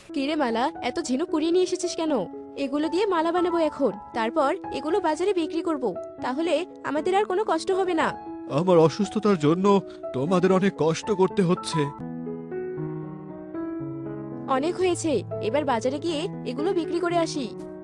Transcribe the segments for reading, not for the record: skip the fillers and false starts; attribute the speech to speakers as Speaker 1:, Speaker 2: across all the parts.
Speaker 1: কিরে মালা, এত ঝিনুক কুড়িয়ে নিয়ে এসেছিস কেন? এগুলো দিয়ে মালা বানাবো এখন, তারপর এগুলো বাজারে বিক্রি করব। তাহলে আমাদের আর কোনো কষ্ট হবে না।
Speaker 2: আমার অসুস্থতার জন্য তোমাদের অনেক কষ্ট করতে হচ্ছে।
Speaker 1: অনেক হয়েছে, এবার বাজারে গিয়ে এগুলো বিক্রি করে আসি।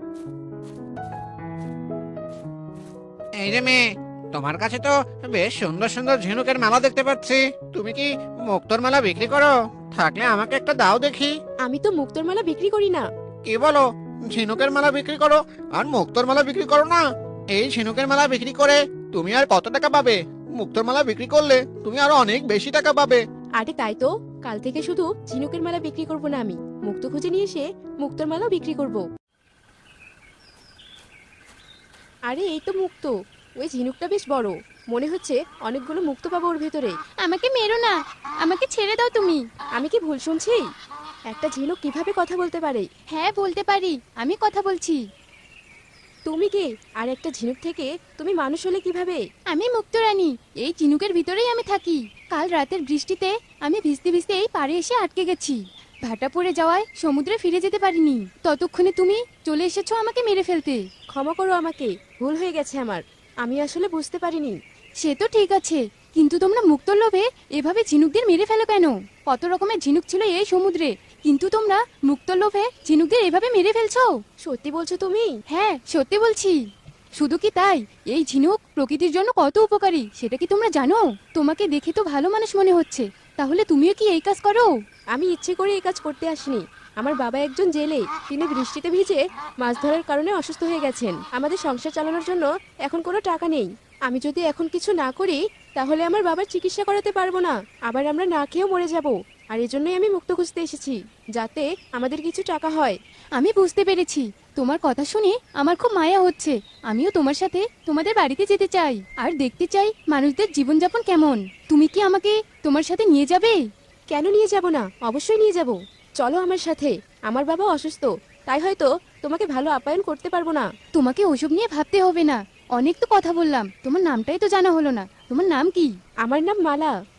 Speaker 3: এই যে মেয়ে, তোমার কাছে তো বেশ সুন্দর সুন্দর ঝিনুকের মালা দেখতে পাচ্ছি। তুমি কি মুক্তোর মালা বিক্রি করো? থাকলে আমাকে একটা দাও দেখি।
Speaker 1: আমি তো মুক্তোর মালা বিক্রি করি না।
Speaker 3: কি বলো? ঝিনুকের মালা বিক্রি করো আর মুক্তোর মালা বিক্রি করো না? এই ঝিনুকের মালা বিক্রি করে তুমি আর কত টাকা পাবে? মুক্তোর মালা বিক্রি করলে তুমি আরো অনেক বেশি টাকা পাবে।
Speaker 1: আরে তাই তো, কাল থেকে শুধু ঝিনুকের মালা বিক্রি করব না, আমি মুক্তো খুঁজে নিয়ে এসে মুক্তোর মালাও বিক্রি করব। আরে এই তো মুক্তো। ওই ঝিনুকটা বেশ বড়, মনে হচ্ছে অনেকগুলো মুক্তো পাবো ওর ভেতরে।
Speaker 4: আমাকে মেরো না, আমাকে ছেড়ে দাও তুমি।
Speaker 1: আমি কি ভুল শুনছি? একটা ঝিনুক কিভাবে কথা বলতে পারে?
Speaker 4: হ্যাঁ বলতে পারি, আমি কথা বলছি।
Speaker 1: তুমি কে? আর একটা ঝিনুক থেকে তুমি মানুষ হলে কিভাবে?
Speaker 4: আমি মুক্তরানী, এই চিনুকের ভিতরেই আমি থাকি। কাল রাতের বৃষ্টিতে আমি ভিজতে ভিজতে এই পাড়ে এসে আটকে গেছি। ভাটা পড়ে যাওয়ায় সমুদ্রে ফিরে যেতে পারিনি। ততক্ষণে তুমি চলে এসেছো আমাকে মেরে ফেলতে।
Speaker 1: ক্ষমা করো আমাকে, ভুল হয়ে গেছে আমার। আমি আসলে বুঝতে পারিনি।
Speaker 4: সে তো ঠিক আছে, কিন্তু তোমরা মুক্তোর লোভে এভাবে ঝিনুকদের মেরে ফেলো কেন? কত রকমের ঝিনুক ছিল এই সমুদ্রে, কিন্তু তোমরা মুক্তোর লোভে ঝিনুকদের এভাবে মেরে ফেলছো।
Speaker 1: সত্যি বলছো তুমি?
Speaker 4: হ্যাঁ সত্যি বলছি। শুধু কি তাই, এই ঝিনুক প্রকৃতির জন্য কত উপকারী সেটা কি তোমরা জানো? তোমাকে দেখে তো ভালো মানুষ মনে হচ্ছে, তাহলে তুমিও কি এই কাজ করো?
Speaker 1: আমি ইচ্ছে করে এই কাজ করতে আসিনি। আমার বাবা একজন জেলে, তিনি বৃষ্টিতে ভিজে মাছ ধরার কারণে অসুস্থ হয়ে গেছেন। আমাদের সংসার চালানোর জন্য এখন কোনো টাকা নেই। আমি যদি এখন কিছু না করি তাহলে আমার বাবার চিকিৎসা করাতে পারবো না, আবার আমরা না খেয়েও মরে যাব। আর এজন্যই আমি মুক্ত খুঁজতে এসেছি, যাতে আমাদের কিছু টাকা হয়।
Speaker 4: আমি বুঝতে পেরেছি, তোমার কথা শুনে আমার খুব মায়া হচ্ছে। আমিও তোমার সাথে তোমাদের বাড়িতে যেতে চাই, আর দেখতে চাই মানুষদের জীবনযাপন কেমন। তুমি কি আমাকে তোমার সাথে নিয়ে যাবে?
Speaker 1: কেন নিয়ে যাব না? অবশ্যই নিয়ে যাব। চলো আমার সাথে। আমার বাবা অসুস্থ, তাই হয়তো তোমাকে ভালো আপ্যায়ন করতে পারবো না।
Speaker 4: তোমাকে ওসব নিয়ে ভাবতে হবে না। অনেক তো কথা বললাম, তোমার নামটাই তো জানা হলো না। তোমার নাম কি?
Speaker 1: আমার নাম মালা।